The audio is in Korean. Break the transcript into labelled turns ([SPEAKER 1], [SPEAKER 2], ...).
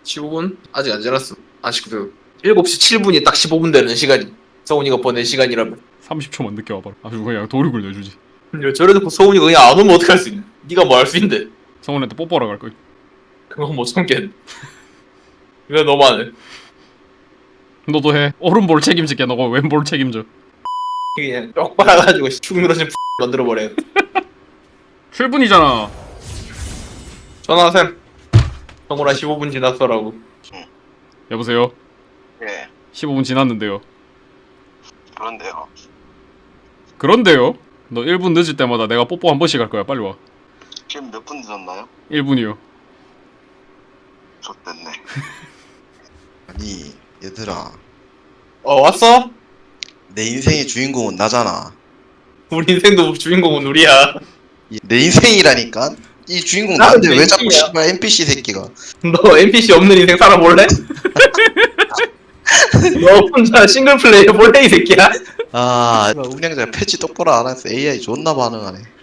[SPEAKER 1] 15분? 아직 안 지났어. 아직 7시 7분이 딱 15분 되는 시간이. 서훈이가 보낸 시간이라면.
[SPEAKER 2] 30초만 늦게 와봐라. 아주 그냥 도륙을 내주지.
[SPEAKER 1] 근데 저래 놓고 서훈이가 그냥 안 오면 어떡할 수 있냐. 네가 뭐 할 수 있는데.
[SPEAKER 2] 성훈한테 뽀뽀하러 갈 거야.
[SPEAKER 1] 그건 못 참겠네. 이거 너무하네.
[SPEAKER 2] 너도 해. 오른볼 책임질게. 너가 왼볼 책임져.
[SPEAKER 1] 그냥 쪽 빨아가지고 축 늘어진 만들어버려.
[SPEAKER 2] 7분이잖아.
[SPEAKER 1] 전화샘. 성훈아 15분 지났어라고.
[SPEAKER 2] 여보세요?
[SPEAKER 3] 예,
[SPEAKER 2] 15분 지났는데요.
[SPEAKER 3] 그런데요.
[SPEAKER 2] 그런데요? 너 1분 늦을 때마다 내가 뽀뽀 한 번씩 할 거야. 빨리 와.
[SPEAKER 3] 지금 몇 분 늦었나요?
[SPEAKER 2] 1분이요.
[SPEAKER 3] 좋댔네.
[SPEAKER 4] 아니 얘들아,
[SPEAKER 1] 왔어?
[SPEAKER 4] 내 인생의 주인공은 나잖아.
[SPEAKER 1] 우리 인생도 주인공은 우리야.
[SPEAKER 4] 내 인생이라니까? 이 주인공
[SPEAKER 1] 나는
[SPEAKER 4] 나한테
[SPEAKER 1] 내
[SPEAKER 4] 왜 자꾸
[SPEAKER 1] 인생이야.
[SPEAKER 4] 씨발 NPC 새끼가.
[SPEAKER 1] 너 NPC 없는 인생 살아볼래? 너 혼자 싱글 플레이 해볼래 이 새끼야?
[SPEAKER 4] 아, 운영자 패치 똑바로 안 해서 AI 존나 반응하네.